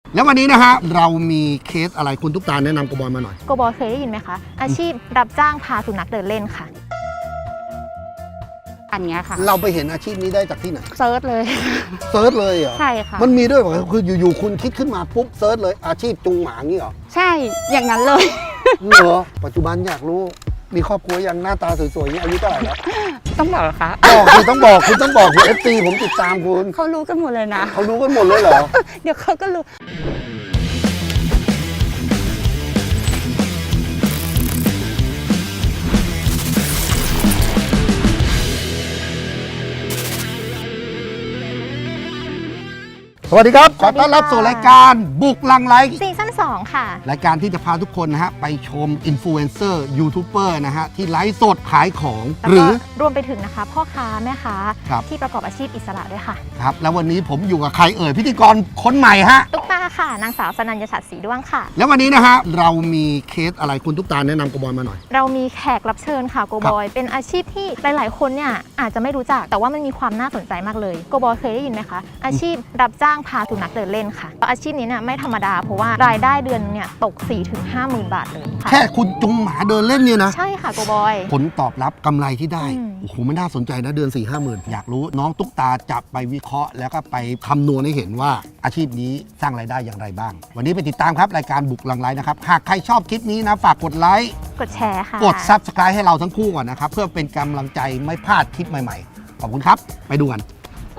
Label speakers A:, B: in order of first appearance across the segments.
A: แล้ววันนี้นะฮะเรามีเคสอะไรคุณตุ๊กตาแนะนำโกบอยมาหน่อย
B: โกบอยเคยได้ยินไหมคะอาชีพรับจ้างพาสุนัขเดินเล่นค่ะอันนี้ค่ะ
A: เราไปเห็นอาชีพนี้ได้จากที่ไหน
B: เซิร์ชเลย
A: เซิร์ชเลยเหรอ
B: ใช่ค่ะ
A: มันมีด้วยเหรอคืออยู่ๆคุณคิดขึ้นมาปุ๊บเซิร์ชเลยอาชีพจุงหมางี้เหรอ
B: ใช่อย่างนั้นเลย
A: เหรอปัจจุบันอยากรู้มีครอบครัวยังหน้าตาสวยๆนี้อายุเท่าไหร่แล้ว
B: ต้องบอกเหรอคะ
A: บอกคุณต้องบอกคุณFC ผมติดตามคุณ
B: เขารู้กันหมดเลยนะ
A: เขารู้กันหมดเลยเหรอ
B: เดี๋ยวเขาก็รู้
A: สวัสดีครับขอต้อนรับสู่รายการบุกลังไลฟ์
B: ซีซั่น2ค่ะ
A: รายการที่จะพาทุกคนนะฮะไปชมอินฟลูเอนเซอร์ยูทูบเบอร์นะฮะที่ไลฟ์สดขายของหรือ
B: รวมไปถึงนะคะพ่อค้าแม่ค้าที่ประกอบอาชีพอิสระด้วยค่ะ
A: ครับแล้ววันนี้ผมอยู่กับใครเอ่ยพิธีกรคนใหม่ฮะ
B: ตุ๊กตาค่ะนางสาวสนัญญาฉัตรศรีด้วงค่ะ
A: แล้ววันนี้นะฮะเรามีเคสอะไรคุณตุ๊กตาแนะนำโกบอยมาหน่อย
B: เรามีแขกรับเชิญค่ะโกบอยเป็นอาชีพที่หลายๆคนเนี่ยอาจจะไม่รู้จักแต่ว่ามันมีความน่าสนใจมากเลยโกบอยเคยได้ยินไหมคะอาชีพรับจ้างพาสุนัขเดินเล่นค่ะอาชีพนี้เนี่ยไม่ธรรมดาเพราะว่ารายได้เดือนเนี่ยตก 4-50,000 บาทเลย
A: แค่คุณจุงหมาเดินเล่นเนี่ยนะ
B: ใช่ค่ะโกบอย
A: ผลตอบรับกำไรที่ได้โอ้โหมันน่าสนใจนะเดือน 4-50,000อยากรู้น้องตุ๊กตาจับไปวิเคราะห์แล้วก็ไปคำนวณให้เห็นว่าอาชีพนี้สร้างรายได้อย่างไรบ้างวันนี้ไปติดตามครับรายการบุกลังไลฟ์นะครับหากใครชอบคลิปนี้นะฝากกดไลค์
B: กดแชร์ค่ะ
A: กด Subscribe ให้เราทั้งคู่ก่อนนะครับเพื่อเป็นกำลังใจไม่พลาดคลิปใหม่ๆขอบคุณครับไปดูกัน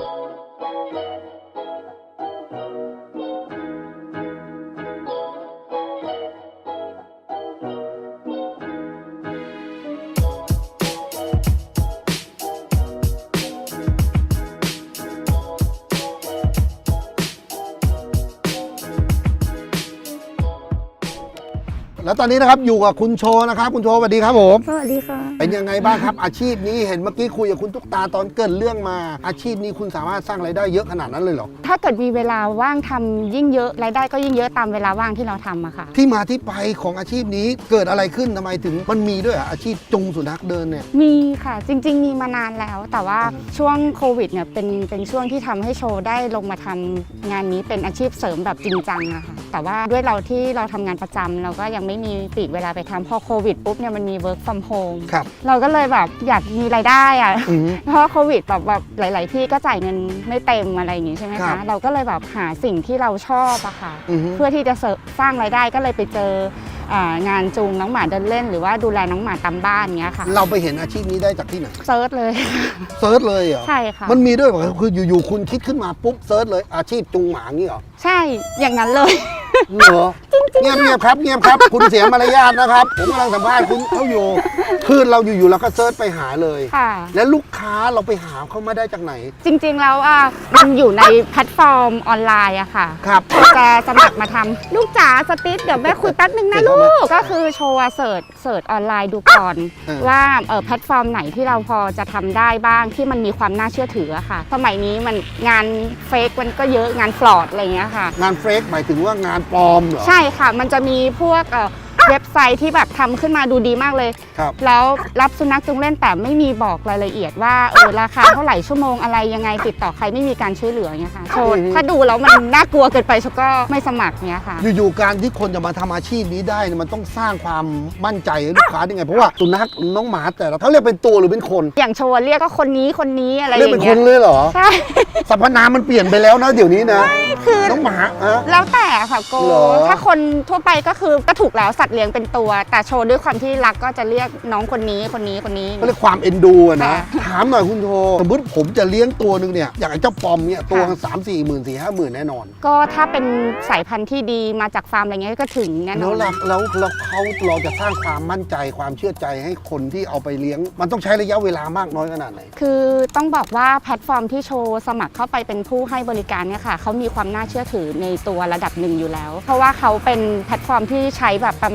A: แล้วตอนนี้นะครับอยู่กับคุณโชนะครับคุณโชสวัสดีครับผม
B: สวัสดีค่ะ
A: เป็นยังไงบ้างครับอาชีพนี้เห็นเมื่อกี้คุยกับคุณตุ๊กตาตอนเกิดเรื่องมาอาชีพนี้คุณสามารถสร้างรายได้เยอะขนาดนั้นเลยเหรอ
C: ถ้าเกิดมีเวลาว่างทำยิ่งเยอะรายได้ก็ยิ่งเยอะตามเวลาว่างที่เราทำอะค่ะ
A: ที่มาที่ไปของอาชีพนี้เกิดอะไรขึ้นทำไมถึงมันมีด้วยอาชีพจุงสุนัขเดินเนี่ย
C: มีค่ะจริงๆมีมานานแล้วแต่ว่าช่วงโควิดเนี่ยเป็นช่วงที่ทำให้โชว์ได้ลงมาทำงานนี้เป็นอาชีพเสริมแบบจริงจังอะค่ะแต่ว่าด้วยเราที่เราทำงานประจำเราก็ยังไม่มีปีกเวลาไปทำพอโควิดปุ๊บเนี่ยมันมี work from home เราก็เลยแบบอยากมีรายได้อะเพราะโควิดแบบหลายๆที่ก็จ่ายเงินไม่เต็มอะไรอย่างงี้ใช่ไหมคะเราก็เลยแบบหาสิ่งที่เราชอบอะค่ะเพื่อที่จะสร้างรายได้ก็เลยไปเจองานจูงน้องหมาเดินเล่นหรือว่าดูแลน้องหมาตามบ้านเงี้ยค่ะ
A: เราไปเห็นอาชีพนี้ได้จากที่ไหน
C: เซิร์ชเลย
A: เซิร์ชเลยเหรอ
C: ใช่ค่ะ
A: มันมีด้วยเหรอคืออยู่ๆคุณคิดขึ้นมาปุ๊บเซิร์ชเลยอาชีพจุงหมางี้เหรอ
C: ใช่อย่างนั้นเลย
A: เหรอเงียบครับคุณเสียมารยาทนะครับผมกำลังสัมภาษณ์คุณเขาอยู่คือเราอยู่เราก็เซิร์ชไปหาเลยแล้วลูกค้าเราไปหาเขามาได้จากไหน
C: จริงๆแล้วมันอยู่ในแพลตฟอร์มออนไลน์อะค่ะ
A: ครับ
C: จะสมัครมาทำลูกจ๋าสติ๊ดเดี๋ยวแม่คุยแป๊บนึงนะลูกก็คือโชว์เสิร์ชออนไลน์ดูก่อนว่าแพลตฟอร์มไหนที่เราพอจะทำได้บ้างที่มันมีความน่าเชื่อถืออะค่ะสมัยนี้มันงานเฟกมันก็เยอะงานฟลอดอะไรเงี้ยค่ะ
A: งานเฟกหมายถึงว่างานปลอมเหรอ
C: ใช่ค่ะมันจะมีพวกเว็บไซต์ที่แบบทำขึ้นมาดูดีมากเลยแล้วรับสุนัขจูงเล่นแต่ไม่มีบอกรายละเอียดว่าราคาเท่าไหร่ชั่วโมงอะไรยังไงติดต่อใครไม่มีการช่วยเหลือเงี้ยค่ะโชว์ถ้าดูแล้วมันน่ากลัวเกินไปฉันก็ไม่สมัครเงี้ยค่ะ
A: อยู่ๆการที่คนจะมาทำอาชีพนี้ได้มันต้องสร้างความมั่นใจให้ลูกค้าได้ไงเพราะว่าสุนัขน้องหมาแต่ละเขาเรียกเป็นตัวหรือเป็นคน
C: อย่างโชว์เรียกก็คนนี้อะไรอย่างเงี้ย
A: เรียกเป็นคนเลยเหรอ
C: ใช่
A: สรรพนามมันเปลี่ยนไปแล้วนะเดี๋ยวนี้นะคือน้องหมา
C: แล้วแต่ค่ะโกถ้าคนทั่วไปก็คือก็ถูกแล้วสัตว์เลี้ยงเป็นตัวแต่โชว์ด้วยความที่รักก็จะเรียกน้องคนนี้ก็เ
A: รียกความเอ็นดูนะถามหน่อยคุณโชสมมติผมจะเลี้ยงตัวหนึ่งเนี่ยอย่างไอ้เจ้าปอมเนี่ยตัว3-4 หมื่น4-5 หมื่นแน่นอน
C: ก็ถ้าเป็นสายพันธุ์ที่ดีมาจากฟาร์มอะไรเงี้ยก็ถึงแน่นอน
A: แล้วเราจะสร้างความมั่นใจความเชื่อใจให้คนที่เอาไปเลี้ยงมันต้องใช้ระยะเวลามากน้อยขนาดไหน
C: คือต้องบอกว่าแพลตฟอร์มที่โชว์สมัครเข้าไปเป็นผู้ให้บริการเนี่ยค่ะเขามีความน่าเชื่อถือในตัวระดับหนึ่งอยู่แล้วเพราะว่าเขาเป็นแพลตฟอร์มที่ใช้แบบประ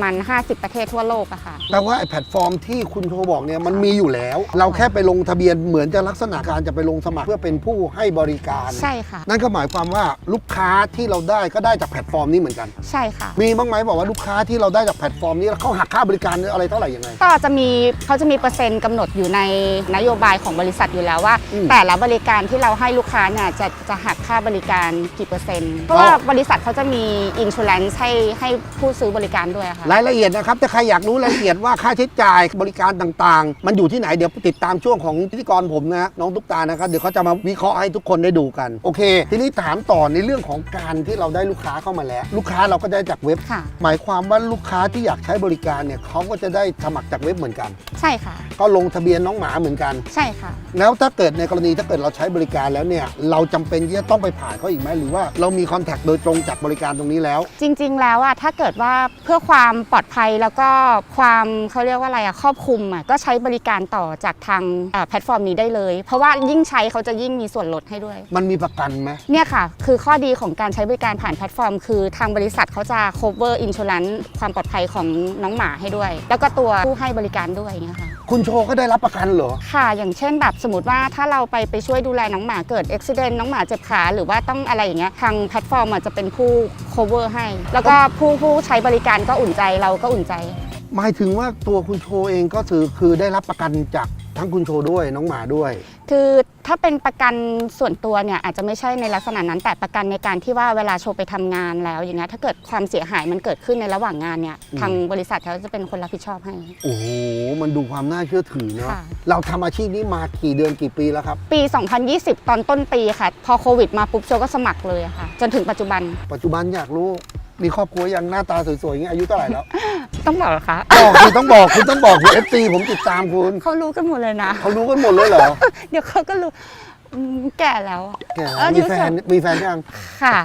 C: มาณ 50 ประเทศทั่วโลกอะค่ะ
A: แต่ว่าไอ้แพลตฟอร์มที่คุณโทรบอกเนี่ยมันมีอยู่แล้ว เราแค่ไปลงทะเบียนเหมือนจะลักษณะการจะไปลงสมัครเพื่อเป็นผู้ให้บริการ
C: ใช่ค่ะ
A: นั่นก็หมายความว่าลูกค้าที่เราได้ก็ได้จากแพลตฟอร์มนี้เหมือนกัน
C: ใช่ค่ะ
A: มีบ้างไหมบอกว่าลูกค้าที่เราได้จากแพลตฟอร์มนี้แล้วเขาหักค่าบริการอะไรเท่าไหร่ยังไง
C: ก็จะมีเขาจะมีเปอร์เซ็นต์กำหนดอยู่ในนโยบายของบริษัทอยู่แล้วว่า
A: อืม
C: แต่ละบริการที่เราให้ลูกค้าเนี่ยจะหักค่าบริการกี่เปอร์เซ็นต์เพราะว่าบริษัทเขาจะมีอินชูแลนซ์ให้ผู้ซื้อบริการด้วยค่ะ
A: รายละเอียดนะครับถ้าใครอยากรู้รายละเอียดว่าค่าใช้จ่ายบริการต่างๆ มันอยู่ที่ไหนเดี๋ยวติดตามช่วงของพิธีกรผมนะน้องตุ๊กตานะครับเดี๋ยวเขาจะมาวิเคราะห์ให้ทุกคนได้ดูกันโอเค ทีนี้ถามต่อในเรื่องของการที่เราได้ลูกค้าเข้ามาแล้ว ลูกค้าเราก็ได้จากเว็บ
C: ค่ะ
A: หมายความว่าลูกค้าที่อยากใช้บริการเนี่ยเขาก็จะได้สมัครจากเว็บเหมือนกัน
C: ใช่ค่ะ
A: ก็ลงทะเบียนน้องหมาเหมือนกัน
C: ใช่ค่ะ
A: แล้วถ้าเกิดในกรณีถ้าเกิดเราใช้บริการแล้วเนี่ยเราจำเป็นที่จะต้องไปผ่านเขาอีกไหมหรือว่าเรามีคอนแทคโดยตรงจากบริการตรงนี้แล้ว
C: จริงๆ แล้วอะถ้าเกิดว่าเพื่อความปลอดภัยแล้วก็ความเขาเรียกว่าอะไรอะครอบคลุมอะก็ใช้บริการต่อจากทางแพลตฟอร์มนี้ได้เลย เพราะว่ายิ่งใช้เขาจะยิ่งมีส่วนลดให้ด้วย
A: มันมีประกันไหม
C: เนี่ยค่ะ คือข้อดีของการใช้บริการผ่านแพลตฟอร์ม คือทางบริษัทเขาจะ cover insurance ความปลอดภัยของน้องหมาให้ด้วย แล้วก็ตัวผู้ให้บริการด้วยอย่างเงี้ยค่ะ
A: คุณโชก็ได้รับประกันเหรอ
C: ค่ะ อย่างเช่นแบบสมมติว่าถ้าเราไปช่วยดูแลน้องหมาเกิดอุบิเหตุน้องหมาเจ็บขาหรือว่าต้องอะไรอย่างเงี้ยทางแพลตฟอร์มจะเป็นผู้ cover ให้ แล้วก็ผู้ใช้บริการก็อุ่นใจเราก็อุ่นใจ
A: หมายถึงว่าตัวคุณโชเองก็คือได้รับประกันจากทั้งคุณโชด้วยน้องหมาด้วย
C: คือถ้าเป็นประกันส่วนตัวเนี่ยอาจจะไม่ใช่ในลักษณะนั้นแต่ประกันในการที่ว่าเวลาโชว์ไปทำงานแล้วอย่างเงี้ยถ้าเกิดความเสียหายมันเกิดขึ้นในระหว่างงานเนี่ยทางบริษัทเขาจะเป็นคนรับผิดชอบให้
A: โอ้โหมันดูความน่าเชื่อถือเนาะ
C: ค่ะ
A: เราทำอาชีพนี้มากี่เดือนกี่ปีแล้วครับ
C: ปี 2020 ตอนต้นปีค่ะ พอโควิดมาปุ๊บโชก็สมัครเลยอะค่ะ จนถึงปัจจุบัน
A: ปัจจุบันอยากรู้มีครอบครัวยังหน้าตาสวยๆอย่างเงี้ยอายุเท่าไหร่แล้ว
C: ต้องบอกเหรอคะ
A: บอกคุณต้องบอกคุณ FC ผมติดตามคุณ
C: เขารู้กันหมดเลยนะ
A: เขารู้กันหมดเลยเหรอ
C: เดี๋ยวเขาก็รู้แก่แล้วอะ
A: แก
C: อายุ
A: มีแฟนยัง
C: ค่ะ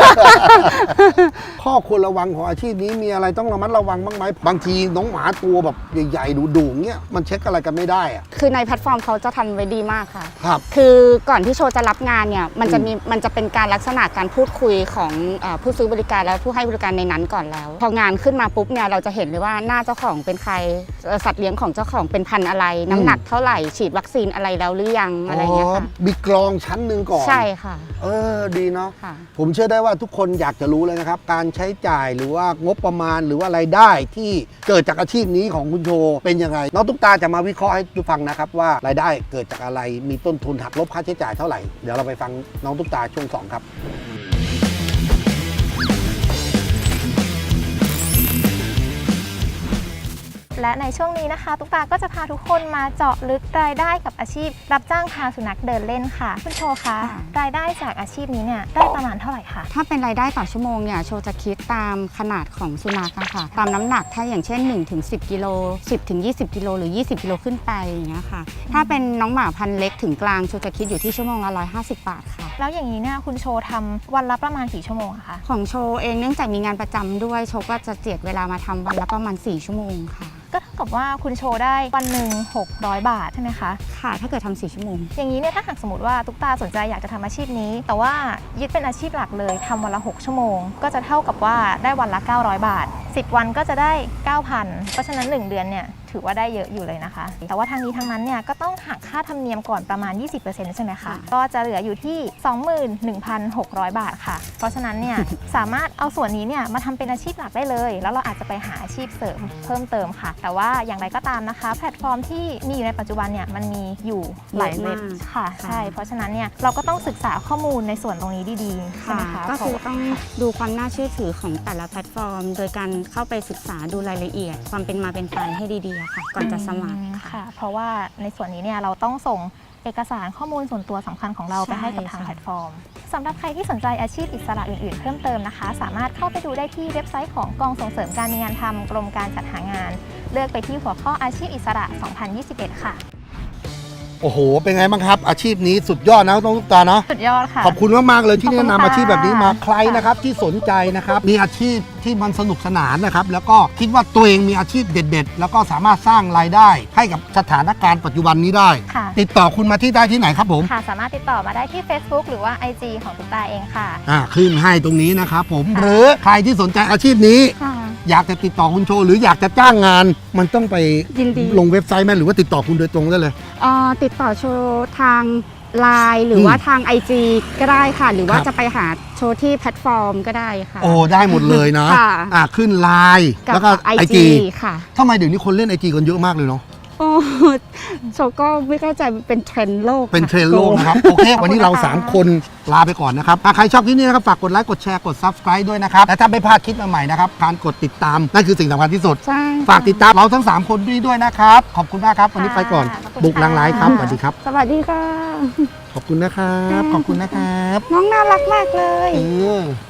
A: ข้อควรระวังของอาชีพนี้มีอะไรต้องระมัดระวังบ้างไหมบางทีน้องหมาตัวแบบใหญ่ๆดุๆเงี้ยมันเช็คอะไรกันไม่ได้อะ
C: คือในแพลตฟอร์มเขาจะทำไว้ดีมากค่ะ
A: ครับ
C: คือก่อนที่โชว์จะรับงานเนี่ยมันจะเป็นการลักษณะการพูดคุยของผู้ซื้อบริการและผู้ให้บริการในนั้นก่อนแล้ว พองานขึ้นมาปุ๊บเนี่ยเราจะเห็นเลยว่าหน้าเจ้าของเป็นใครสัตว์เลี้ยงของเจ้าของเป็นพันธุ์อะไร น้ำหนักเท่าไหร่ฉีดวัคซีนอะไรแล้วหรือยังอะไรเงี้ยค่ะ
A: มีกรองชั้นหนึ่งก่อน
C: ใช่ค่ะ
A: ดีเนาะ
C: ค่ะ
A: ผมเชื่อได้ว่าทุกคนอยากจะรู้เลยนะครับ การใช้จ่ายหรือว่างบประมาณหรือว่ารายได้ที่เกิดจากอาชีพนี้ของคุณโชเป็นยังไงน้องตุ๊กตาจะมาวิเคราะห์ให้ทุกฟังนะครับว่ารายได้เกิดจากอะไรมีต้นทุนหักลบค่าใช้จ่ายเท่าไหร่เดี๋ยวเราไปฟังน้องตุ๊กตาช่วง 2 ครับ
B: และในช่วงนี้นะคะตุ๊กตาก็จะพาทุกคนมาเจาะลึกรายได้กับอาชีพ รับจ้างพาสุนัขเดินเล่นค่ะคุณโชคะ
C: ค่ะ
B: รายได้จากอาชีพนี้เนี่ยได้ประมาณเท่าไหร่คะ
C: ถ้าเป็นรายได้ต่อชั่วโมงเนี่ยโชว์จะคิดตามขนาดของสุนัขอะค่ะตามน้ำหนักถ้าอย่างเช่น 1-10 กิโล 10-20 กิโลหรือ 20 กิโลขึ้นไปอย่างเงี้ยค่ะถ้าเป็นน้องหมาพันธุ์เล็กถึงกลางโชว์จะคิดอยู่ที่ชั่วโมงละ150 บาทค่ะ
B: แล้วอย่างนี้เนี่ยคุณโชทำวันละประมาณกี่ชั่วโมงอะคะ
C: ของโชว์เองเนื่องจากมีงานประจำด้วยโชว์ก็จะเจียดเวลามาทำวันละประมาณ4 ชั่วโมงค่ะ
B: ก็เท่ากับว่าคุณโชได้วันหนึ่ง600 บาทใช่ไหมคะ
C: ค่ะถ้าเกิดทำ4 ชั่วโมง
B: อย่างนี้เนี่ยถ้าหากสมมติว่าตุ๊กตาสนใจอยากจะทำอาชีพนี้ แต่ว่ายึดเป็นอาชีพหลักเลยทำวันละ6 ชั่วโมง ก็จะเท่ากับว่าได้วันละ900 บาท 10 วันก็จะได้ 9,000 เพราะฉะนั้น 1 เดือนเนี่ยถือว่าได้เยอะอยู่เลยนะคะ แต่ว่าทางนี้ทางนั้นเนี่ยก็ต้องหักค่าธรรมเนียมก่อนประมาณ 20% ใช่ไหมคะ ก็จะเหลืออยู่ที่ 21,600 บาทค่ะ เพราะฉะนั้นเนี่ย สามารถเอาส่วนนี้เนี่ยมาทำเป็นอาชีพหลักได้เลย แล้วเราอาจจะไปหาอาชีพเสริมเพิ่มเติมค่ะ แต่ว่าอย่างไรก็ตามนะคะแพลตฟอร์มที่มีอยู่ในปัจจุบันเนี่ยมันมีอยู่หลายเว็บ
C: เยอะมาก
B: ค่ะ
C: ค่ะ
B: ใช่ เพราะฉะนั้นเนี่ยเราก็ต้องศึกษาข้อมูลในส่วนตรงนี้ดีๆใช่ไหมคะ
C: ก็คือต้องดูความน่าเชื่อถือของแต่ละแพลตฟอร์ม โดยการเข้าไปศึกษาดูรายละเอียด ความเป็นมาเป็นไปให้ดีๆอะค่ะ ก่อนจะสมัครค่ะ
B: ค่ะ เพราะว่าในส่วนนี้เนี่ยเราต้องส่งเอกสารข้อมูลส่วนตัวสำคัญของเรา
C: ใช่
B: ไปให้กับทาง
C: ใช่
B: แพลตฟอร์มสำหรับใครที่สนใจอาชีพอิสระอื่นๆเพิ่มเติมนะคะ สามารถเข้าไปดูได้ที่เว็บไซต์ของกองส่งเสริมการมีงานทำกรมการจัดหางาน เลือกไปที่หัวข้ออาชีพอิสระ 2021 ค่ะ
A: โอ้โห เป็นไงบ้างครับ อาชีพนี้สุดยอดนะน้องตุ๊กตาเนาะ
B: สุดยอดค่ะ
A: ขอบคุณมากๆเลยที่
B: ขอบคุ
A: แนะ
B: ณ
A: นำ
B: ค่ะ
A: อาชีพแบบนี้มาใครนะครับที่สนใจนะครับมีอาชีพที่มันสนุกสนานนะครับแล้วก็คิดว่าตัวเองมีอาชีพเด็ด ๆ แล้วก็สามารถสร้างรายได้ให้กับสถานการณ์ปัจจุบันนี้ได้
B: ค่ะ
A: ติดต่อคุณมาที่ได้ที่ไหนครับผม
B: ค่ะ สามารถติดต่อมาได้ที่ Facebook หรือว่า IG ของตุ๊กตาเองค่ะ
A: ขึ้นให้ตรงนี้นะครับผมหรือใครที่สนใจอาชีพนี้
C: ค่ะ
A: อยากจะติดต่อคุณโชว์หรืออยากจะจ้างงาน มันต้องไป
C: ยินดี
A: ลงเว็บไซต์ไหมหรือว่าติดต่อคุณโดยตรงได้เลย
C: ติดต่อโชว์ทางไลน์หรือว่าทาง IG ก็ได้ค่ะ หรือว่า
A: ครับ
C: จะไปหาโชว์ที่แพลตฟอร์มก็ได้ค่ะ
A: โอ้ได้หมดเลยนะ
C: ค่ะ
A: ขึ้นไลน์
C: กับ
A: แล้วก็
C: IG ค่ะ
A: ทำไมเดี๋ยวนี้คนเล่น IG กันเยอะมากเลยเนาะ
C: โอ้โชว์ก็ไม่เข้าใจมันเป็นเทรนด์โลก
A: เป็น
C: ค่ะ
A: เทรนด์โลกนะครับ โอเค วันนี้เรา 3 คนลาไปก่อนนะครับใครชอบคลิปนี้นะครับ ฝากกดไลค์ กดแชร์ กด Subscribe ด้วยนะครับ และถ้าไม่พลาดคลิปใหม่ๆนะครับ การกดติดตาม นั่นคือสิ่งสำคัญที่สุด
C: ใช่
A: ฝากติดตามเราทั้ง 3 คนด้วยนะครับ ขอบคุณมากครับ วันนี้ไปก่อน
B: ขอบคุณ
A: บุกลังไลฟ์ครับ
B: ค่ะ
A: สวัสดีครับ
C: สวัสดีค่ะ
A: ขอบคุณนะครับ ขอบคุณนะครับ
C: น้องน่ารักมากเลย
A: เออ